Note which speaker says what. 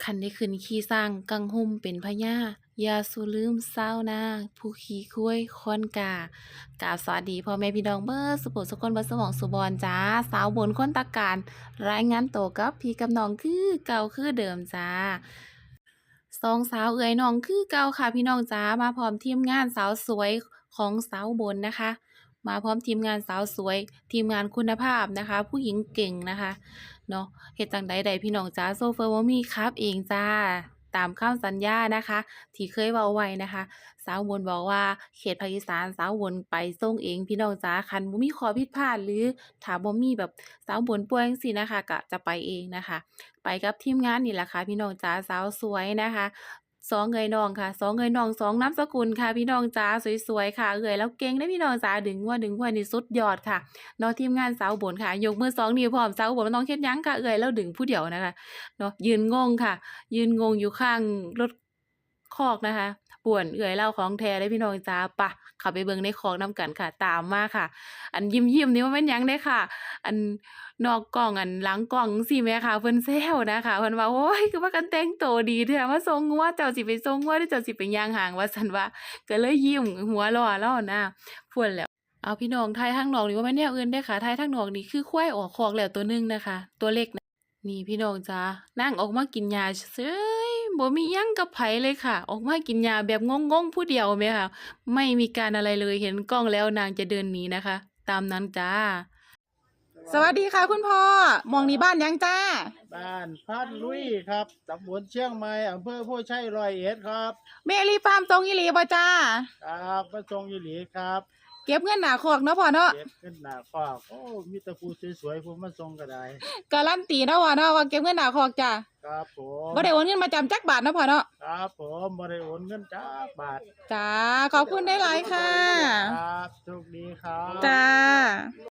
Speaker 1: คันได้ขึ้นขี่ช้างกังหุ่มเป็นพญาอย่าสูลืมชาวนาผู้ขี่ควายควอนกา กราบสวัสดีพ่อแม่พี่น้องเบิดสุโขสุคนเบิดสมองสุบอนจ้าสาวบนคนตะการรายงานตัวกับพี่กับน้องคือเก่าคือเดิมจ้าสองสาวเอ๋ยน้องคือเก่าค่ะพี่น้องจ้ามาพร้อมทีมงานสาวสวยของสาวบนนะคะมาพร้อมทีมงานสาวสวยทีมงานคุณภาพนะคะผู้หญิงเก่งนะคะเนาะเฮ็ดจั่งใดใดพี่น้องจ้าโซเฟอร์บ่มีครับเองจ้าตามคำสัญญานะคะที่เคยเว้าไว้นะคะ สาวบนบอกว่าเขตภาคอีสานสาวบนไปส่งเองพี่น้องจ๋าคันบ่มีข้อผิดพลาดหรือถ้าบ่มีแบบสาวบนป่วยจังซี้นะคะก็จะไปเองนะคะไปกับทีมงานนี่แหละค่ะพี่น้องจ๋าสาวสวยนะคะสองเอยน้องค่ะสองเอยน้องสองนามสกุลค่ะพี่น้องจ๋าสวยๆค่ะเอยแล้วเก่งเด้อพี่น้องจ๋าดึงหัวนี่สุดยอดค่ะเนาะทีมงานสาวบนค่ะยกมือสองนิ้วพร้อมสาวบนบ่ต้องเฮ็ดหยังค่ะเอยแล้วดึงผู้เดียวนะคะเนาะยืนงงค่ะยืนงงอยู่ข้างรถคอกนะคะป่วนเอื้อยเลาของแท้เด้อพี่น้องจ๋าไปเข้าไปเบิ่งในคอกนำกันค่ะตามมาค่ะอันยิ้มๆนี่บ่แม่นหยังเด้ค่ะอันนอกกล้องอันหลังกล้องจั่งซี้แหมค่ะเพิ่นแซวนะคะเพิ่นว่าโอ๊ยคือพากันแต่งโตดีแท้มาส่งงัวเจ้าสิไปส่งงัวหรือเจ้าสิไปย่างห้างว่าซั่นว่าก็เลยยิ้มหัวเราะเลานะพู้นแหล้วอ้าวพี่น้องไทยทางนอกนี่บ่แม่นแนวอื่นเด้อค่ะไทยทางนอกนี่คือควายออกคอกแล้วตัวหนึ่งนะคะตัวเล็ก นี่พี่น้องจ้านางออกมากินหญ้าเฉยบ่มีหยังกับไผเลยค่ะออกมากินหญ้าแบบงงๆผู้เดียวแหมค่ะไม่มีการอะไรเลยเห็นกล้องแล้วนางจะเดินหนีนะคะตามนั้นจ้าสวัสดีค่ะคุณพ่อมองนี่บ้านยังจ้า
Speaker 2: บ้านพัดลุยครับตำบลเชียงใหม่อำเภอโพชัย101ครับ
Speaker 1: เมลีฟาร์มตรงอีหลีบ่จ้า
Speaker 2: ครับมาส่งยีหลีครับ
Speaker 1: เก็บเงินหน้าคอกเนาะพ่อเนาะ
Speaker 2: เก็บขึ้นหน้าฟากโอ้มีแต่ผู้สวยๆผมมาส่งก็ได้
Speaker 1: การันตีเนาะพ่อเนาะว่าเก็บเงินหน้าคอกจ้า
Speaker 2: ครับผม
Speaker 1: บ่ได้โอนเงินมาจำจักบาทเนาะพ่อเนาะ
Speaker 2: ครับผมบ่ได้โอนเงินจักบาท
Speaker 1: จ้าขอบคุณได้หลายค่ะ
Speaker 2: ครั